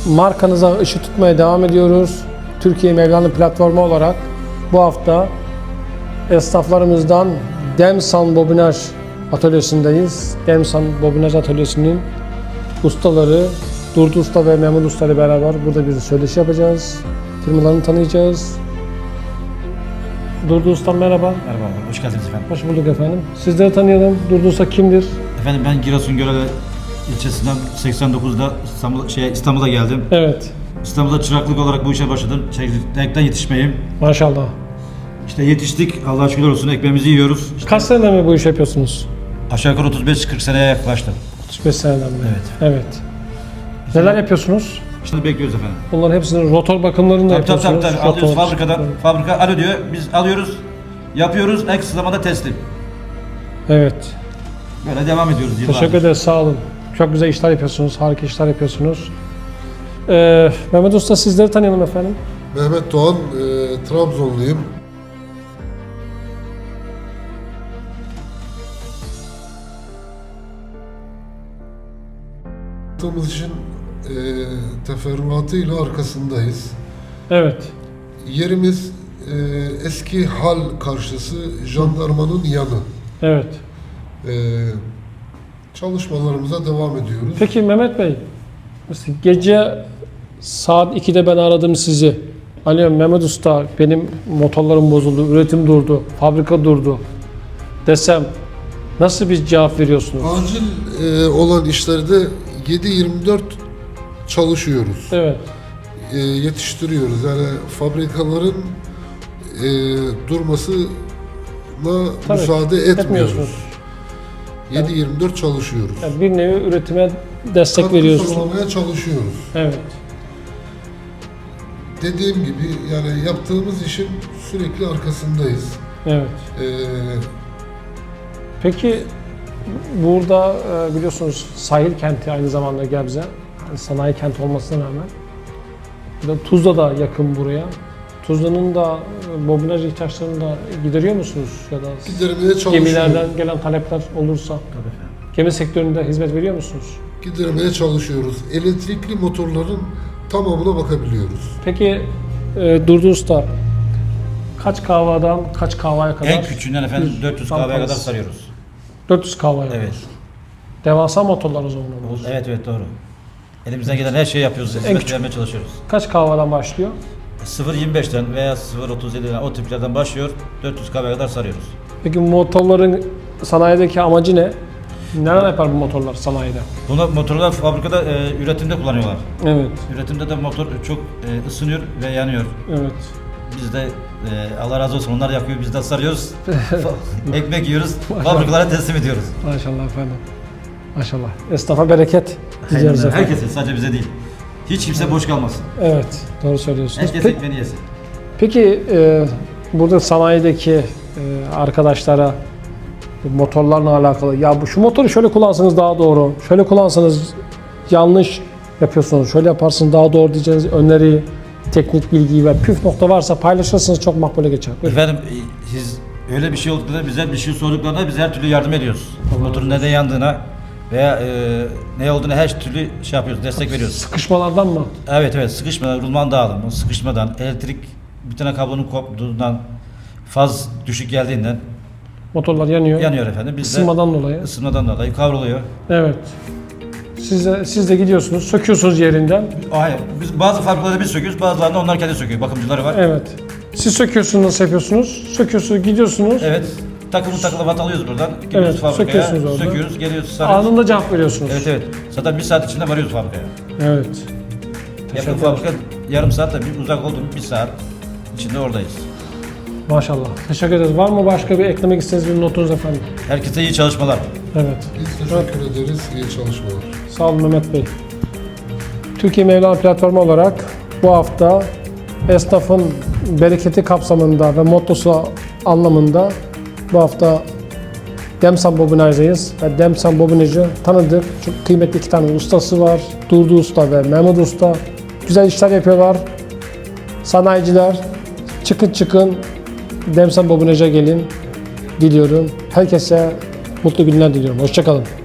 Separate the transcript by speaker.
Speaker 1: markanıza ışık tutmaya devam ediyoruz. Türkiye Mevlana platformu olarak bu hafta esnaflarımızdan Demsan Bobinaj Atölyesi'ndeyiz. Demsan Bobinaj Atölyesi'nin ustaları Durdu Usta ve Mehmet Usta ile beraber burada bir söyleşi yapacağız. Firmalarını tanıyacağız. Durdu Usta merhaba.
Speaker 2: Merhaba, hoş geldiniz efendim.
Speaker 1: Hoş bulduk efendim. Sizleri tanıyalım. Durdu Usta kimdir?
Speaker 2: Efendim ben Giresun Görele ilçesinden 89'da İstanbul'a geldim.
Speaker 1: Evet.
Speaker 2: İstanbul'da çıraklık olarak bu işe başladım. Renkten yetişmeyim.
Speaker 1: Maşallah.
Speaker 2: İşte yetiştik, Allah'a şükürler olsun, ekmeğimizi yiyoruz. İşte
Speaker 1: Kaç seneden mi bu iş yapıyorsunuz?
Speaker 2: aşağı yukarı 35-40 seneye yaklaştı.
Speaker 1: 35 seneden beri.
Speaker 2: Evet.
Speaker 1: Evet. Neler yapıyorsunuz?
Speaker 2: Şimdi bekliyoruz efendim.
Speaker 1: Bunların hepsinin rotor bakımlarını da
Speaker 2: Tabii
Speaker 1: yapıyorsunuz.
Speaker 2: alıyoruz
Speaker 1: Rotor.
Speaker 2: fabrikadan. Fabrika alo diyor, biz alıyoruz, yapıyoruz, en kısa zamanda teslim.
Speaker 1: Evet.
Speaker 2: Böyle devam ediyoruz yıllardır.
Speaker 1: Teşekkür ederiz. Sağ olun. Çok güzel işler yapıyorsunuz. Harika işler yapıyorsunuz. Mehmet Usta sizleri tanıyalım efendim.
Speaker 3: Mehmet Doğan, Trabzonluyum. Yaptığımız işin teferruatıyla arkasındayız.
Speaker 1: Evet.
Speaker 3: Yerimiz eski hal karşısı jandarmanın yanı.
Speaker 1: Evet.
Speaker 3: Çalışmalarımıza devam ediyoruz.
Speaker 1: Peki Mehmet Bey, mesela gece saat 2'de ben aradım sizi. Alo Mehmet Usta, benim motorlarım bozuldu, üretim durdu, fabrika durdu desem nasıl bir cevap veriyorsunuz?
Speaker 3: Acil olan işlerde 7/24 çalışıyoruz.
Speaker 1: Evet.
Speaker 3: Yetiştiriyoruz. Yani fabrikaların durmasına
Speaker 1: Tabii,
Speaker 3: müsaade etmiyoruz.
Speaker 1: etmiyorsunuz.
Speaker 3: 7/24 çalışıyoruz.
Speaker 1: Yani bir nevi üretime destek
Speaker 3: Katkı
Speaker 1: veriyorsunuz.
Speaker 3: sağlamaya çalışıyoruz.
Speaker 1: Evet.
Speaker 3: Dediğim gibi yani yaptığımız işin sürekli arkasındayız.
Speaker 1: Evet. Peki burada biliyorsunuz sahil kenti aynı zamanda Gebze. Yani sanayi kenti olmasına rağmen. Bir de Tuzla da yakın buraya. Tuzla'nın da bobinaj ihtiyaçlarını da gideriyor musunuz? Ya da
Speaker 3: Gidermeye çalışıyoruz.
Speaker 1: gemilerden gelen talepler olursa gemi sektöründe hizmet veriyor musunuz?
Speaker 3: Gidermeye çalışıyoruz. Elektrikli motorların tamamına bakabiliyoruz.
Speaker 1: Peki Durdu Usta kaç kahvadan kaç kahvaya kadar?
Speaker 2: En küçüğünden efendim 400 kahveye kadar
Speaker 1: parası.
Speaker 2: sarıyoruz.
Speaker 1: 400 kahvaya
Speaker 2: Evet.
Speaker 1: kadar. Devasa motorlar o zaman. onlar.
Speaker 2: Evet doğru. Elimizden gelen her şeyi yapıyoruz.
Speaker 1: küçük.
Speaker 2: Hizmet vermeye çalışıyoruz.
Speaker 1: Kaç kahvadan başlıyor?
Speaker 2: 0.25'ten veya 0.37'den o tiplerden başlıyor. 400 kahveye kadar sarıyoruz.
Speaker 1: Peki bu motorların sanayideki amacı ne? Neler yapar bu motorlar sanayide?
Speaker 2: Bunu motorlar fabrikada üretimde kullanıyorlar.
Speaker 1: Evet,
Speaker 2: Üretimde de motor çok ısınıyor ve yanıyor.
Speaker 1: evet.
Speaker 2: Biz de Allah razı olsun onlar yakıyor, biz de sarıyoruz. Ekmek yiyoruz, fabrikalara teslim ediyoruz.
Speaker 1: Maşallah efendim. Maşallah. Esnafa bereket diliyoruz efendim.
Speaker 2: Herkese, sadece bize değil. Hiç kimse boş kalmasın.
Speaker 1: Evet, doğru söylüyorsunuz.
Speaker 2: Herkes ekmeğini yesin.
Speaker 1: Peki burada sanayideki arkadaşlara motorlarla alakalı ya şu motoru şöyle kullansanız daha doğru, şöyle kullansanız yanlış yapıyorsunuz, şöyle yaparsınız daha doğru diyeceğiniz öneri, teknik bilgiyi ve püf nokta varsa paylaşırsanız çok makbule geçer. Buyurun.
Speaker 2: Efendim siz öyle bir şey olduklarında bize bir şey sorduklarında biz her türlü yardım ediyoruz. Motorun neden yandığına veya ne olduğunu her türlü şey yapıyoruz, destek veriyoruz.
Speaker 1: Sıkışmalardan mı?
Speaker 2: Evet sıkışmadan, rulman dağılımı, sıkışmadan, elektrik bir tane kablonun koptuğundan, faz düşük geldiğinden
Speaker 1: Motorlar yanıyor.
Speaker 2: yanıyor efendim. Biz
Speaker 1: Isınmadan dolayı.
Speaker 2: de ısınmadan dolayı kavruluyor.
Speaker 1: Evet. Siz de gidiyorsunuz, söküyorsunuz yerinden.
Speaker 2: Hayır, biz bazı fabrikalarda biz söküyoruz, bazılarında onlar kendi söküyor. Bakımcıları var.
Speaker 1: Evet. Siz söküyorsunuz, nasıl yapıyorsunuz? Söküyorsunuz, gidiyorsunuz.
Speaker 2: Evet. Takılı vat alıyoruz buradan. Gidiyoruz
Speaker 1: Evet,
Speaker 2: fabrikaya.
Speaker 1: söküyorsunuz orada.
Speaker 2: Söküyoruz, geliyoruz, sarıyoruz.
Speaker 1: Anında cevap veriyorsunuz.
Speaker 2: Evet. Zaten bir saat içinde varıyoruz fabrikaya.
Speaker 1: Evet.
Speaker 2: Yakın fabrika yarım saat de bir uzak oldu bir saat içinde oradayız.
Speaker 1: Maşallah. Teşekkür ederiz. Var mı başka bir eklemek istediğiniz bir notunuz efendim?
Speaker 2: Herkese iyi çalışmalar.
Speaker 1: Evet.
Speaker 3: Biz teşekkür ederiz. İyi çalışmalar.
Speaker 1: Sağ olun Mehmet Bey. Türkiye Mevlana platformu olarak bu hafta esnafın bereketi kapsamında ve mottosu anlamında bu hafta Demsan Bobinaj'dayız ve Demsan Bobinaj'ı tanıdık. Çok kıymetli iki tane ustası var. Durdu Usta ve Mehmet Usta. Güzel işler yapıyorlar. Sanayiciler çıkın Demsan Bobinaj'a gelin diliyorum. Herkese mutlu günler diliyorum. Hoşça kalın.